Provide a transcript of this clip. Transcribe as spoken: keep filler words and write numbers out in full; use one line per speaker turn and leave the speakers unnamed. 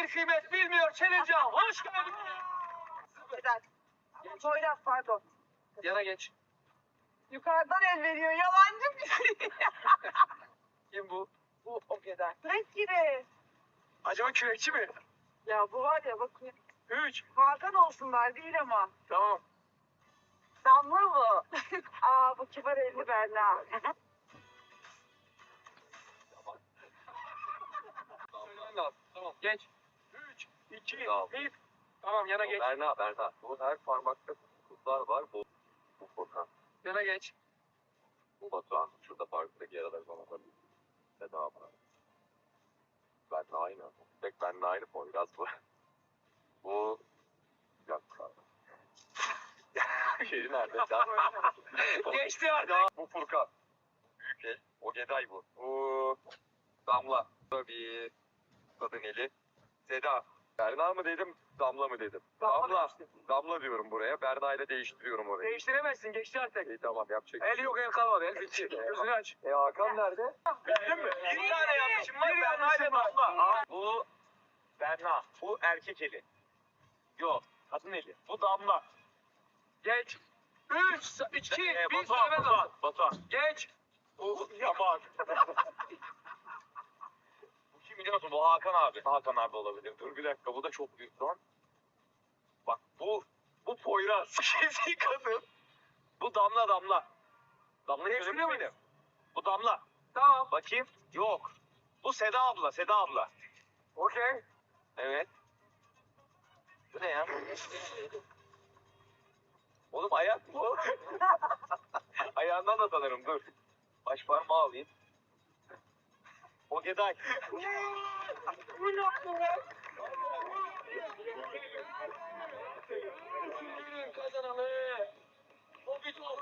kadir kıymet bilmiyor Çelecan. Hoş geldin.
Güzel. Poyraz pardon.
Yana geç.
Yukarıdan el veriyor. Yalancı bir şey.
Kim bu?
Bu o kadar. Renk gibi.
Acaba kürekçi mi?
Ya bu var ya bak.
Üç.
Hakan olsunlar değil ama.
Tamam.
Damla bu. Aa bu kibar elli Berna.
Söylemen lazım. Tamam. Geç. Üç. İki.
Tamam.
Bir. Tamam yana geç.
Berna, Berna. Bu her parmakta kutlar var. Bu, bu Furkan.
Yana geç.
Bu Batuhan. Şurada parktaki yaralar bana var. Seda abla. Benle aynı. Tek benle aynı Poyraz bu. Bu... Bir dakika. Yeri nerede?
Geçti artık.
Bu Furkan. Büyük el. O Geday bu. Bu... Damla. Bu bir... Kadın eli. Seda. Berna mı dedim, Damla mı dedim?
Damla
Damla.
demiştim.
Damla diyorum buraya. Berna ile değiştiriyorum orayı.
Değiştiremezsin. Geçti artık.
İyi tamam yapacak.
El yok el kalmadı. El bitti. Gözünü aç.
E Hakan nerede?
Bildin mi? Bir tane yanlışım var.
Bir
Berna ile
yanlışım var.
Damla.
Bu Berna. Bu erkek eli. Yok. Kadın eli. Bu Damla.
Geç. Üç. iki.
Ee,
Bir.
Batuhan,
Söylemen
Batuhan,
lazım.
Batuhan.
Geç.
Bu Yaman. Bu kim biliyor musun? Bu Hakan abi. Hakan abi olabilir. Dur bir dakika. Bu da çok büyük lan. Bak bu bu Poyraz. Kesin kadın. Bu Damla Damla. Damla'yı
Değiştiriyor
görebilir
muyum?
miyim? Bu Damla.
Tamam.
Bakayım. Yok. Bu Seda abla. Seda abla.
Okey.
Evet. Bu ne ya? Oğlum ayak bu. Ayağından da tanırım dur. Baş parmağı alayım. O Geday.
Bu ne yaptın ya?
Kazananı. O bir top.